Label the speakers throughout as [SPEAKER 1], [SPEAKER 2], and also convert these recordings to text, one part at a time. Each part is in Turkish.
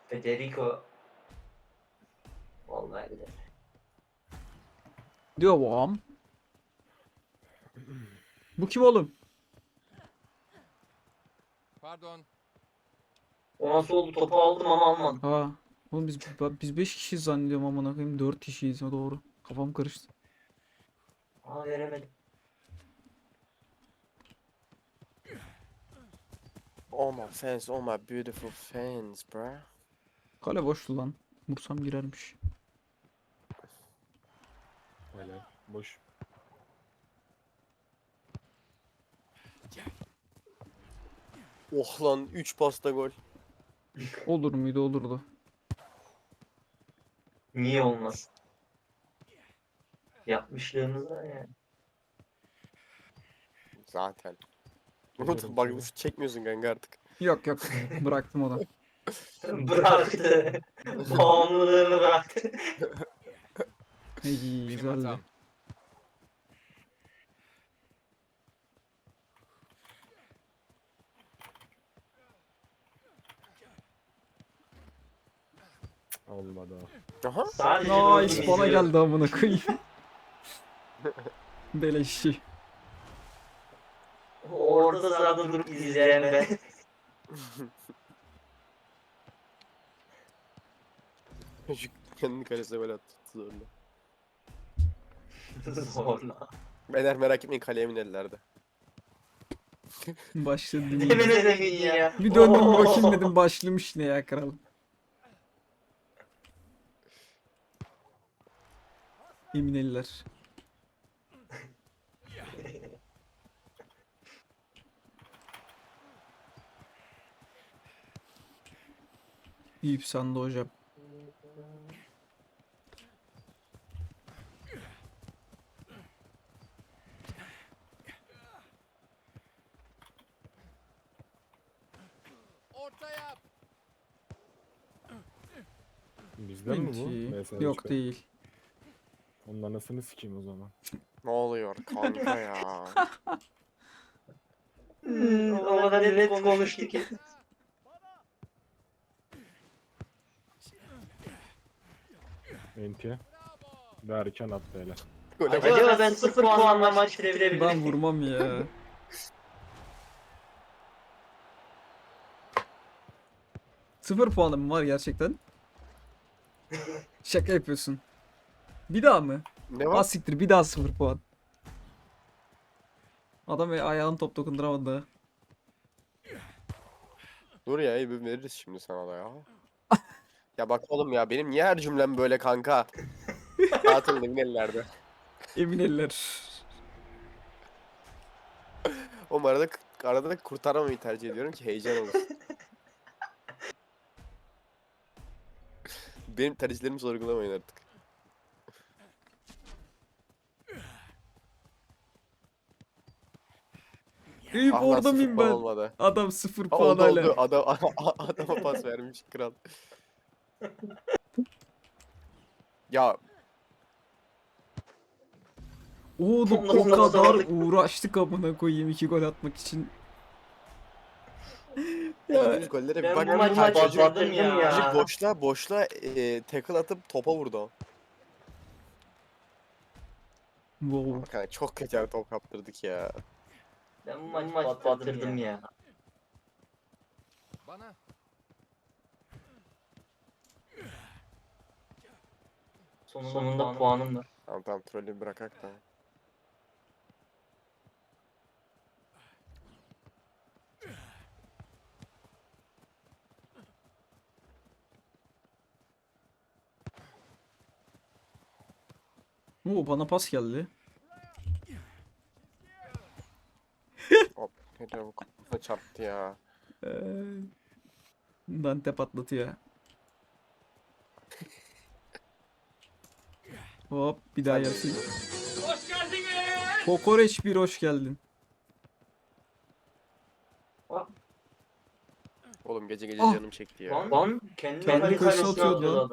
[SPEAKER 1] Federico. Vallahi billahi.
[SPEAKER 2] Devam. Bu kim oğlum?
[SPEAKER 3] Pardon.
[SPEAKER 1] O nasıl oldu? Topu aldım ama almadım.
[SPEAKER 2] Ha. Oğlum biz 5 kişiyiz zannediyorum amına koyayım. 4 kişiyiz o doğru. Kafam karıştı.
[SPEAKER 1] Aa veremedim.
[SPEAKER 4] Oh my fans, oh my beautiful fans, bruh.
[SPEAKER 2] Kale boştu lan. Vursam girermiş.
[SPEAKER 5] Helal. Boş.
[SPEAKER 4] Oh lan 3 pasta gol.
[SPEAKER 2] Olur muydu olurdu.
[SPEAKER 1] Niye olmaz? Yapmışlığımız var yani.
[SPEAKER 4] Zaten.
[SPEAKER 5] Biliyorum
[SPEAKER 4] Bak
[SPEAKER 5] tabii.
[SPEAKER 4] şut çekmiyorsun kanka artık.
[SPEAKER 2] Yok yok. Bıraktım o da.
[SPEAKER 1] Bıraktı. Bağımlılığını bıraktı.
[SPEAKER 2] İyi
[SPEAKER 3] Benim
[SPEAKER 2] güzeldi.
[SPEAKER 3] hatam.
[SPEAKER 5] Olmadı o.
[SPEAKER 4] Aha.
[SPEAKER 1] Sadece
[SPEAKER 2] Nice
[SPEAKER 1] bölüm
[SPEAKER 2] bana
[SPEAKER 1] izliyorum.
[SPEAKER 2] geldi amına koyayım. Beleşçi.
[SPEAKER 1] Orta sırada durup izleyen ben.
[SPEAKER 4] Şu kendi kalesine gol attı zorla.
[SPEAKER 1] Zorla.
[SPEAKER 4] Beyler merak etmeyin kaleye minellerde.
[SPEAKER 2] Başladı.
[SPEAKER 1] Hemen edemin ya.
[SPEAKER 2] Bir döndüm bir bakayım dedim başlamış ne ya kral. Emineliler. Eyüp sen de hocam.
[SPEAKER 3] Orta yap.
[SPEAKER 5] Bizden mi bu?
[SPEAKER 2] Enti.
[SPEAKER 5] Mesela
[SPEAKER 2] Yok
[SPEAKER 5] işte.
[SPEAKER 2] değil.
[SPEAKER 5] Onun anasını sikeyim o zaman.
[SPEAKER 4] Ne oluyor kanka ya?
[SPEAKER 1] O kadar net konuştu ki.
[SPEAKER 5] Enti. Derken attı hele.
[SPEAKER 4] Gole bak.
[SPEAKER 1] Acaba ben 0 puanla maç bitirebilir
[SPEAKER 2] Ben
[SPEAKER 1] miyim?
[SPEAKER 2] vurmam ya. Sıfır puanım var gerçekten. Şaka yapıyorsun. Bir daha mı?
[SPEAKER 4] Ne
[SPEAKER 2] Az
[SPEAKER 4] var?
[SPEAKER 2] siktir bir daha 0 puan. Adam ayağını top dokunduramadı.
[SPEAKER 4] Dur ya iyi bir veririz şimdi sana da ya. Ya bak oğlum ya benim niye her cümlem böyle kanka? Atıldı minellerde.
[SPEAKER 2] Emin eller.
[SPEAKER 4] Oğlum arada da kurtarmamayı tercih ediyorum ki heyecan olsun. Benim tercihlerimi sorgulamayın artık.
[SPEAKER 2] Eyüp
[SPEAKER 4] Ah lan
[SPEAKER 2] orada
[SPEAKER 4] 0
[SPEAKER 2] mıyım
[SPEAKER 4] puan
[SPEAKER 2] ben?
[SPEAKER 4] olmadı.
[SPEAKER 2] Adam 0
[SPEAKER 4] Ha,
[SPEAKER 2] puan
[SPEAKER 4] oldu
[SPEAKER 2] hala.
[SPEAKER 4] oldu. Adama pas vermiş kral. Ya
[SPEAKER 2] Oğlum
[SPEAKER 1] Nasıl
[SPEAKER 2] o kadar
[SPEAKER 1] aldık?
[SPEAKER 2] uğraştık amına koyayım 2 gol atmak için.
[SPEAKER 4] yediğimiz gollere
[SPEAKER 1] Ben
[SPEAKER 4] bir bak.
[SPEAKER 1] bu maçı batırdım ya.
[SPEAKER 4] Çocuk boşla tackle atıp topa vurdu.
[SPEAKER 2] Wow.
[SPEAKER 4] Kanka çok kötü bir top kaptırdık ya.
[SPEAKER 1] Ben bu maçı batırdım ya.
[SPEAKER 3] Bana.
[SPEAKER 1] Sonunda puanım var.
[SPEAKER 4] Tamam trolü bırakak da.
[SPEAKER 2] Oo bana pas geldi.
[SPEAKER 4] Hop ne çabuk kafa çarptı ya.
[SPEAKER 2] Dante patlatıyor. Hop bir daha gelsin.
[SPEAKER 1] Hoş geldiniz.
[SPEAKER 2] Kokoreç bir hoş geldin.
[SPEAKER 4] Oğlum gece gece
[SPEAKER 2] Ah!
[SPEAKER 4] canım çekti ya.
[SPEAKER 1] Lan kendi
[SPEAKER 2] Kendi
[SPEAKER 1] kalesine
[SPEAKER 2] kalesine atıyordu lan.
[SPEAKER 1] adam.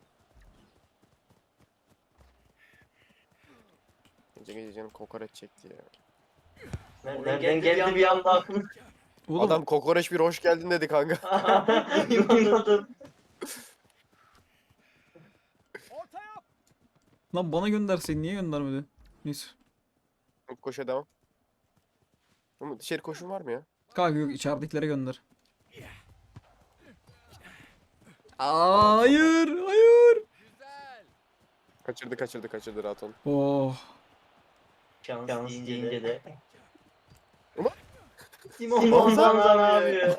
[SPEAKER 4] Gece gece canım kokoreç çekti ya.
[SPEAKER 1] Nereden geldi bir anda aklıma.
[SPEAKER 2] Oğlum
[SPEAKER 4] Adam kokoreç bir hoş geldin dedi kanka.
[SPEAKER 1] Anladım.
[SPEAKER 2] Lan bana gönderseydin niye göndermedi? Neyse.
[SPEAKER 4] Koşa devam. Ama dışarı koşun var mı ya?
[SPEAKER 2] Kanka yok içeridekilere gönder. Hayır, hayır.
[SPEAKER 4] Kaçırdı rahat olun.
[SPEAKER 2] Oh.
[SPEAKER 1] Şans deyince de.
[SPEAKER 4] Ama-
[SPEAKER 1] Simon Banza abi.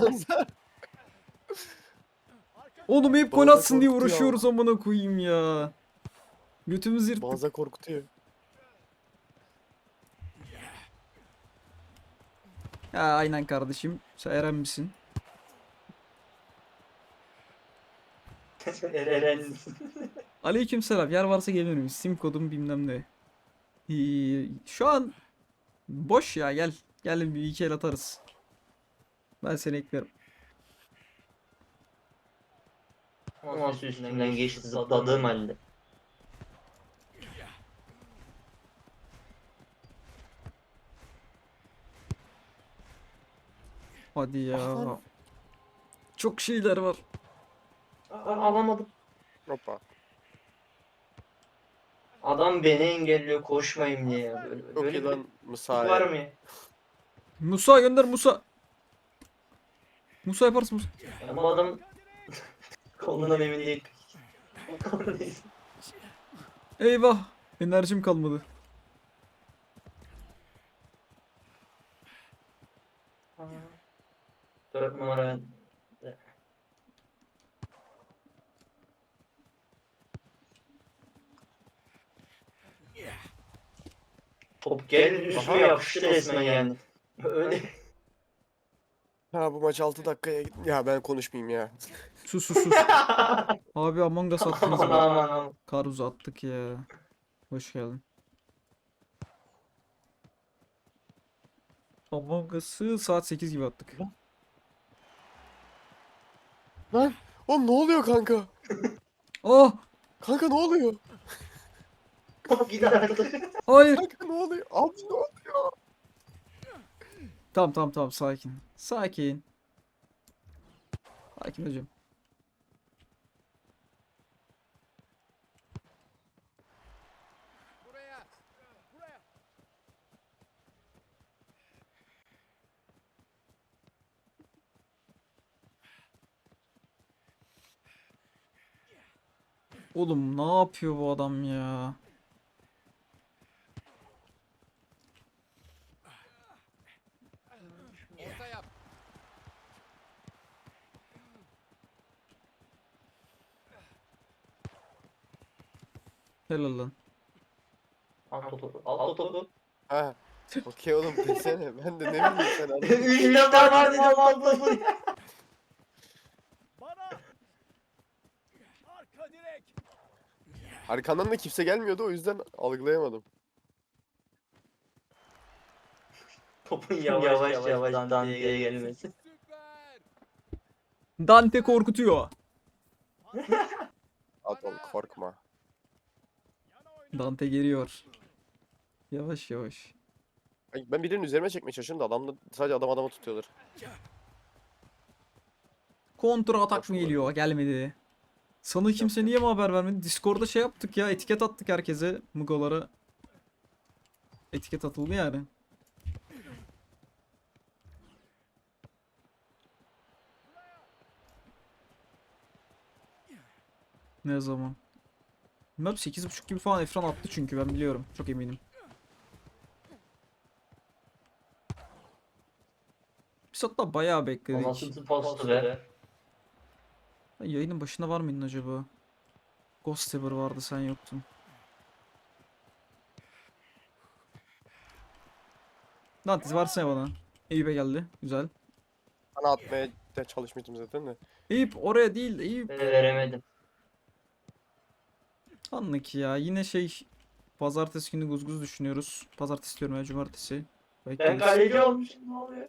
[SPEAKER 2] Oğlum hep gol
[SPEAKER 4] Banza
[SPEAKER 2] atsın diye
[SPEAKER 4] korktu ya.
[SPEAKER 2] uğraşıyoruz amına koyayım ya. Götümüz yırttık.
[SPEAKER 4] Banza korkutuyor.
[SPEAKER 2] Ya aynen kardeşim. Sen Eren misin?
[SPEAKER 1] Eren.
[SPEAKER 2] Aleykümselam. Yer varsa gelirim. Sim kodum bilmem ne. Şu an boş ya gel. Gel bir iki el atarız. Ben seni eklerim.
[SPEAKER 1] Nasıl üstünden geçti zıpladığım halde.
[SPEAKER 2] Hadi ya. Çok şeyler var.
[SPEAKER 1] Alamadım.
[SPEAKER 4] Hoppa.
[SPEAKER 1] Adam beni engelliyor koşmayayım diye ya. Böyle,
[SPEAKER 4] Çok
[SPEAKER 1] böyle
[SPEAKER 4] iyi
[SPEAKER 1] bir
[SPEAKER 4] lan
[SPEAKER 1] var
[SPEAKER 4] Musa'ya.
[SPEAKER 1] mı ya?
[SPEAKER 2] Musa gönder Musa. Musa yaparsın Musa.
[SPEAKER 1] Bu adam kolundan emin değil. Neyse.
[SPEAKER 2] Eyvah. Enerjim kalmadı.
[SPEAKER 1] Dört numara. Top geldi üstüme yapıştı resmen yani. Öyle.
[SPEAKER 4] Ha bu maç 6 dakikaya gitti. Ya ben konuşmayayım ya.
[SPEAKER 2] Sus sus sus. Abi Among Us attınız
[SPEAKER 1] Aman
[SPEAKER 2] mı?
[SPEAKER 1] aman aman.
[SPEAKER 2] Kar uzattık ya. Hoş geldin. Among Us'ı saat 8 gibi attık.
[SPEAKER 4] Lan oğlum ne oluyor kanka?
[SPEAKER 2] Oh!
[SPEAKER 4] Kanka ne oluyor?
[SPEAKER 1] Top gider artık.
[SPEAKER 2] Hayır.
[SPEAKER 4] Kanka ne oluyor? Abi ne oluyor?
[SPEAKER 2] Tamam sakin. Sakin. Sakin hocam. Oğlum ne yapıyor bu adam ya? Helal lan.
[SPEAKER 1] Al topu. Al topu.
[SPEAKER 4] Ha. Okey oğlum desene. Ben de ne bileyim sen anladın.
[SPEAKER 1] 3 defa var dedim al topu.
[SPEAKER 4] Arkandan da kimse gelmiyordu o yüzden algılayamadım.
[SPEAKER 1] Topun yavaş Dante'ye gelmesi.
[SPEAKER 2] Dante korkutuyor.
[SPEAKER 4] At oğlum korkma.
[SPEAKER 2] Dante geliyor. Yavaş yavaş.
[SPEAKER 4] Ay, ben birinin üzerime çekmeye çalışıyorum da adam da sadece adamı tutuyorlar.
[SPEAKER 2] Kontra atak
[SPEAKER 4] Boş
[SPEAKER 2] mı
[SPEAKER 4] mu
[SPEAKER 2] geliyor? Gelmedi. Sana kimse niye mi haber vermedi? Discord'da şey yaptık ya. Etiket attık herkese. Mugolara. Etiket atıldı yani. Ne zaman? Bilmem 8.30 gibi falan Efran attı çünkü ben biliyorum. Çok eminim. Biz hatta bayağı
[SPEAKER 1] O
[SPEAKER 2] bekledik.
[SPEAKER 1] nasıl postu be?
[SPEAKER 2] Ben yayının başında var mıydın acaba? Ghost Saber vardı sen yoktun. Dantes varsana bana. Eyüp'e geldi. Güzel.
[SPEAKER 4] Bana atmaya da çalışmıştım zaten de.
[SPEAKER 2] Eyüp oraya değil Eyüp.
[SPEAKER 1] Veremedim.
[SPEAKER 2] Anlık ya. Yine şey pazartesi günü guzguz düşünüyoruz. Pazartesi diyorum ya cumartesi.
[SPEAKER 1] Ben
[SPEAKER 2] Bekleriz.
[SPEAKER 1] kaleci olmuşum ne oluyor?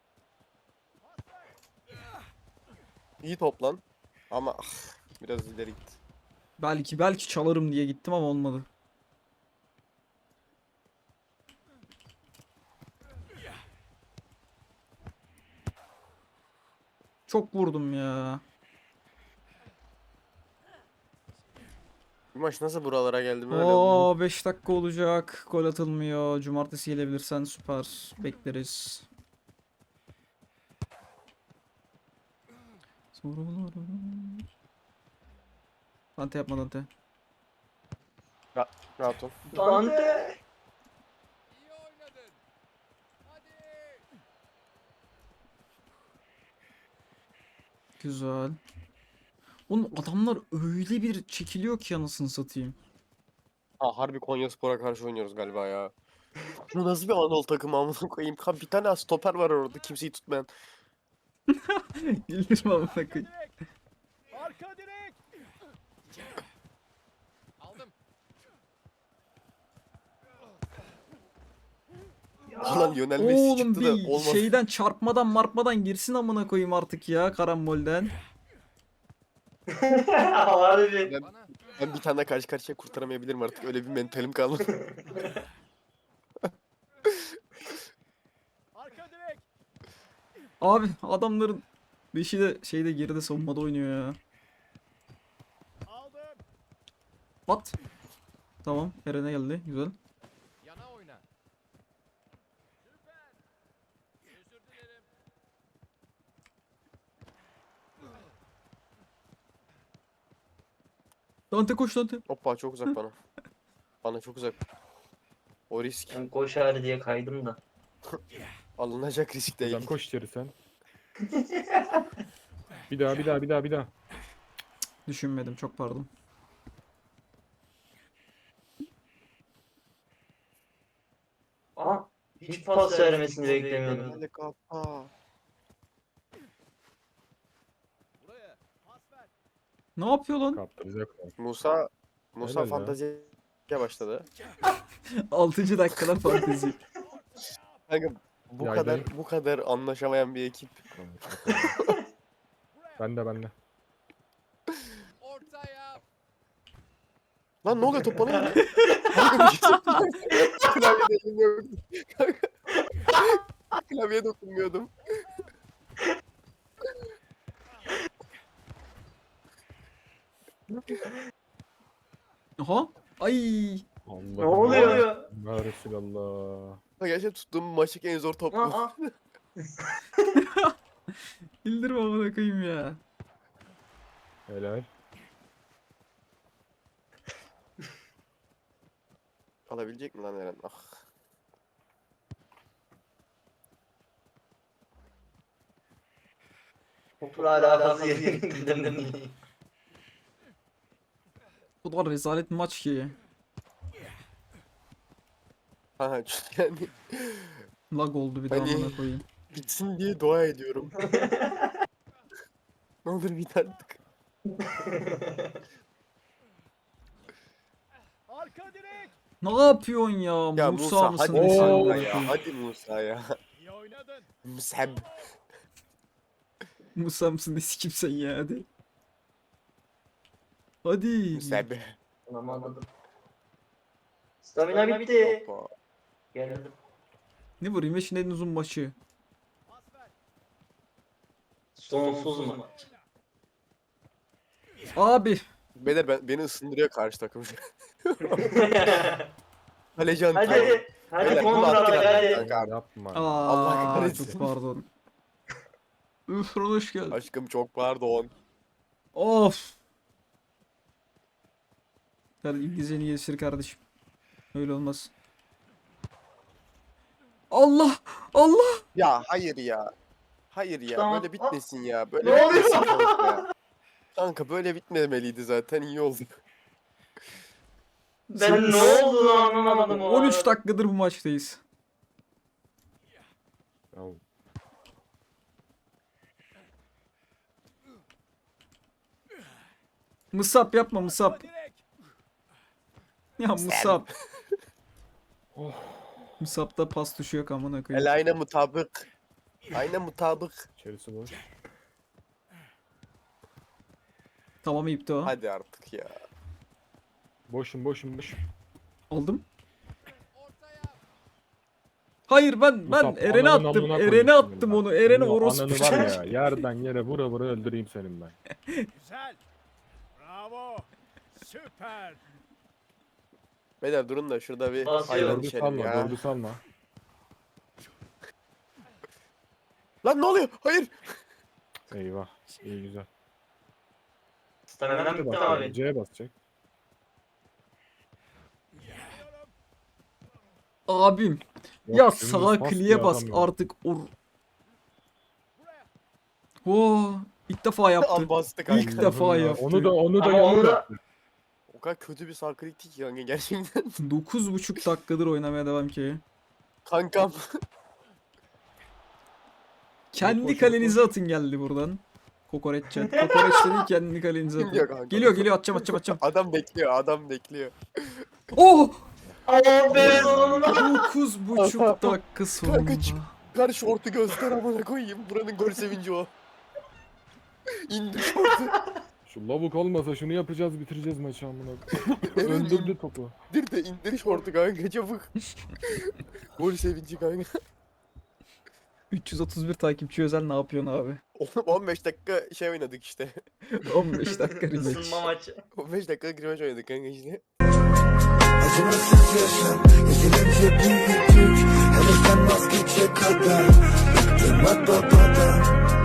[SPEAKER 4] İyi toplan. Ama biraz ileri git.
[SPEAKER 2] Belki çalarım diye gittim ama olmadı. Çok vurdum ya.
[SPEAKER 4] Bu maç nasıl buralara geldi böyle?
[SPEAKER 2] Oo 5 dakika olacak. Gol atılmıyor. Cumartesi gelebilirsen süper. Bekleriz. Dante yapma Dante.
[SPEAKER 4] Rahat ol.
[SPEAKER 1] Dante.
[SPEAKER 2] Güzel. Oğlum adamlar öyle bir çekiliyor ki anasını satayım.
[SPEAKER 4] Ha, harbi Konyaspor'a karşı oynuyoruz galiba ya. Bu nasıl bir Anadolu takımı amına koyayım? Bir tane stoper var orada kimseyi tutmayan.
[SPEAKER 2] Güldürme amına koyayım.
[SPEAKER 3] Arka direk. Aldım.
[SPEAKER 4] Ulan Lionel Messi
[SPEAKER 2] Oğlum
[SPEAKER 4] çıktı da
[SPEAKER 2] bir
[SPEAKER 4] olmaz.
[SPEAKER 2] şeyden çarpmadan marpmadan girsin amına koyayım artık ya karambolden.
[SPEAKER 1] Harbi.
[SPEAKER 4] Ben, ben bir tane karşı karşıya kurtaramayabilirim artık. Öyle bir mentalim kaldı.
[SPEAKER 3] Arka direk.
[SPEAKER 2] Abi adamların beşi de şeyde geride savunmada oynuyor ya.
[SPEAKER 3] Aldım.
[SPEAKER 2] At. Tamam Eren'e geldi güzel.
[SPEAKER 3] Yana oyna. Süper. Özür dilerim.
[SPEAKER 2] Dante koş Dante.
[SPEAKER 4] Hoppa çok uzak bana. Bana çok uzak. O risk
[SPEAKER 1] Ben koşar diye kaydım da.
[SPEAKER 4] alınacak risk değil.
[SPEAKER 5] Hocam koş içeri sen. Bir daha.
[SPEAKER 2] Düşünmedim çok pardon.
[SPEAKER 1] Aa, hiç pas vermesini beklemiyordum.
[SPEAKER 4] Hadi kapa.
[SPEAKER 3] Buraya. Pas ver.
[SPEAKER 2] Ne yapıyor lan?
[SPEAKER 5] Kaptıracak.
[SPEAKER 4] Musa
[SPEAKER 5] Helal ya.
[SPEAKER 4] fanteziye başladı.
[SPEAKER 2] 6. dakikada fantezi.
[SPEAKER 4] Kanka bu
[SPEAKER 5] Ya
[SPEAKER 4] kadar
[SPEAKER 5] gel.
[SPEAKER 4] bu kadar anlaşamayan bir ekip.
[SPEAKER 5] Bende.
[SPEAKER 3] Ortaya.
[SPEAKER 4] Lan ne oluyor top bana geliyor. Kanka bir şey Klavyede elim yok. Kanka. Klavyeye dokunmuyordum.
[SPEAKER 2] Aha. Ay.
[SPEAKER 5] Allah
[SPEAKER 1] Ne oluyor?
[SPEAKER 5] Ya Resulallah.
[SPEAKER 4] Gerçekten tuttuğum maçtaki en zor top bu.
[SPEAKER 1] Aa,
[SPEAKER 2] Bildirme amına koyayım ya.
[SPEAKER 5] Helal.
[SPEAKER 4] Alabilecek mi lan Eren? Ah.
[SPEAKER 1] topla alakası yerinde.
[SPEAKER 2] Bu da rezalet bir maç ki.
[SPEAKER 4] Ha yani
[SPEAKER 2] Lag oldu bir daha
[SPEAKER 4] Hani-
[SPEAKER 2] amına koyayım.
[SPEAKER 4] bitsin diye dua ediyorum. Ne olur bit artık.
[SPEAKER 3] Arka direk.
[SPEAKER 2] Ne yapıyorsun ya?
[SPEAKER 4] Ya
[SPEAKER 2] Musa
[SPEAKER 4] Musa
[SPEAKER 2] mısın
[SPEAKER 4] hadi
[SPEAKER 2] nesin
[SPEAKER 4] Musa
[SPEAKER 2] amına
[SPEAKER 4] ya.
[SPEAKER 2] koyayım?
[SPEAKER 4] Hadi Musa ya.
[SPEAKER 3] İyi oynadın.
[SPEAKER 4] Musab.
[SPEAKER 2] Musa mısın ne sikim sen ya hadi. Hadi.
[SPEAKER 4] Musab.
[SPEAKER 1] Anlamadım. Stamina bitti.
[SPEAKER 4] Hoppa.
[SPEAKER 1] Geldim.
[SPEAKER 2] Ne bu Rimeş'in en uzun maçı.
[SPEAKER 3] Pas ver.
[SPEAKER 1] Sonsuz maç.
[SPEAKER 2] Abi.
[SPEAKER 4] Beyler beni ısındırıyor karşı takım. Kaleci Antep.
[SPEAKER 1] Hadi. Hadi
[SPEAKER 4] Beyler, bunu
[SPEAKER 1] kontra
[SPEAKER 4] attık
[SPEAKER 1] hadi.
[SPEAKER 4] artık kanka.
[SPEAKER 5] Yapma.
[SPEAKER 4] Allah
[SPEAKER 2] Aa,
[SPEAKER 4] kahretsin.
[SPEAKER 2] çok pardon. Üf hoş geldin.
[SPEAKER 4] Aşkım çok pardon.
[SPEAKER 2] Of. Hadi İngilizceni geliştir kardeşim. Öyle olmaz. Allah! Allah!
[SPEAKER 4] Ya hayır ya. Hayır ya.
[SPEAKER 1] Tamam.
[SPEAKER 4] Böyle bitmesin ya. Böyle
[SPEAKER 1] Ne oluyor?
[SPEAKER 4] bitmesin kanka ya. Kanka böyle bitmemeliydi zaten. İyi oldu.
[SPEAKER 1] Ben ne olduğunu anlamadım o
[SPEAKER 2] 13
[SPEAKER 1] arada.
[SPEAKER 2] dakikadır bu maçtayız.
[SPEAKER 5] Ya,
[SPEAKER 2] Musab yapma Musab.
[SPEAKER 3] Arka direk.
[SPEAKER 2] Ya Musab.
[SPEAKER 5] Oh.
[SPEAKER 2] Musab'da pas tuşu yok amına
[SPEAKER 4] El
[SPEAKER 2] koyayım.
[SPEAKER 4] ayna mutabık. Ayna mutabık.
[SPEAKER 5] İçerisi boş.
[SPEAKER 2] Tamam ipti o.
[SPEAKER 4] Hadi artık ya.
[SPEAKER 5] Boşum.
[SPEAKER 2] Aldım.
[SPEAKER 3] Ortaya.
[SPEAKER 2] Hayır ben
[SPEAKER 5] Musab,
[SPEAKER 2] Eren'e
[SPEAKER 5] ananın
[SPEAKER 2] attım.
[SPEAKER 5] amına
[SPEAKER 2] Eren'e
[SPEAKER 5] koyayım
[SPEAKER 2] attım
[SPEAKER 5] senin ben.
[SPEAKER 2] onu. Eren'e
[SPEAKER 5] Senin o
[SPEAKER 2] orospu
[SPEAKER 5] Ananı var
[SPEAKER 2] çocuğu.
[SPEAKER 5] ya yerden yere vura öldüreyim senin ben.
[SPEAKER 3] Güzel. Bravo. Süper.
[SPEAKER 4] Beyler durun da şurada bir
[SPEAKER 1] Basıyor.
[SPEAKER 4] hayvan
[SPEAKER 5] Dördü
[SPEAKER 4] içelim
[SPEAKER 5] salma,
[SPEAKER 4] ya.
[SPEAKER 5] dördü salma.
[SPEAKER 4] Lan ne oluyor? Hayır.
[SPEAKER 5] Eyvah. İyi güzel.
[SPEAKER 1] Stamina'm bitti abi.
[SPEAKER 5] C'ye basacak.
[SPEAKER 2] Abim.
[SPEAKER 5] Yok,
[SPEAKER 2] Ya
[SPEAKER 5] dümdüz
[SPEAKER 2] sağa
[SPEAKER 5] pas
[SPEAKER 2] kliye
[SPEAKER 5] diye
[SPEAKER 2] bas
[SPEAKER 5] adam yok.
[SPEAKER 2] artık. Oo, ilk defa yaptı.
[SPEAKER 4] Al bastı
[SPEAKER 2] İlk
[SPEAKER 4] kanka.
[SPEAKER 2] defa
[SPEAKER 5] Allah'ım ya.
[SPEAKER 2] yaptı.
[SPEAKER 5] Onu da
[SPEAKER 1] Ama onu
[SPEAKER 5] yanında
[SPEAKER 1] da-
[SPEAKER 5] yaptı.
[SPEAKER 4] O kadar kötü bir sağ klikti ki kanka gerçekten.
[SPEAKER 2] 9,5 dakikadır oynamaya devam ki.
[SPEAKER 4] Kankam.
[SPEAKER 2] Kendi
[SPEAKER 5] koş,
[SPEAKER 2] kalenize atın geldi buradan. Kokoreç chat. Kokoreç dedi kendi kalenize
[SPEAKER 4] Geliyor
[SPEAKER 2] atın.
[SPEAKER 4] kanka.
[SPEAKER 2] Geliyor atacağım.
[SPEAKER 4] Adam bekliyor, adam bekliyor.
[SPEAKER 2] Oh!
[SPEAKER 1] Oh be sonunda.
[SPEAKER 2] 9,5 dakika sonunda.
[SPEAKER 4] Kanka çık. Ver şortu göster amına koyayım. Buranın gol sevinci o. İndir şortu.
[SPEAKER 5] Şu lavuk olmasa şunu yapacağız bitireceğiz maçı amına.
[SPEAKER 4] Evet,
[SPEAKER 5] Öldürdü topu.
[SPEAKER 4] İndir de indir şortu kanka çabuk. Gol sevinci kanka.
[SPEAKER 2] 331 takipçi özel ne yapıyorsun abi?
[SPEAKER 4] Oğlum 15 dakika şey oynadık işte.
[SPEAKER 2] 15 dakika rematch.
[SPEAKER 1] Isınma maçı.
[SPEAKER 4] 15 dakika girimaç oynadık kanka işte.
[SPEAKER 6] Acımasız yaşam, yeterince büyüdük. Hevesden vazgeçe kadar bıktım at babadan.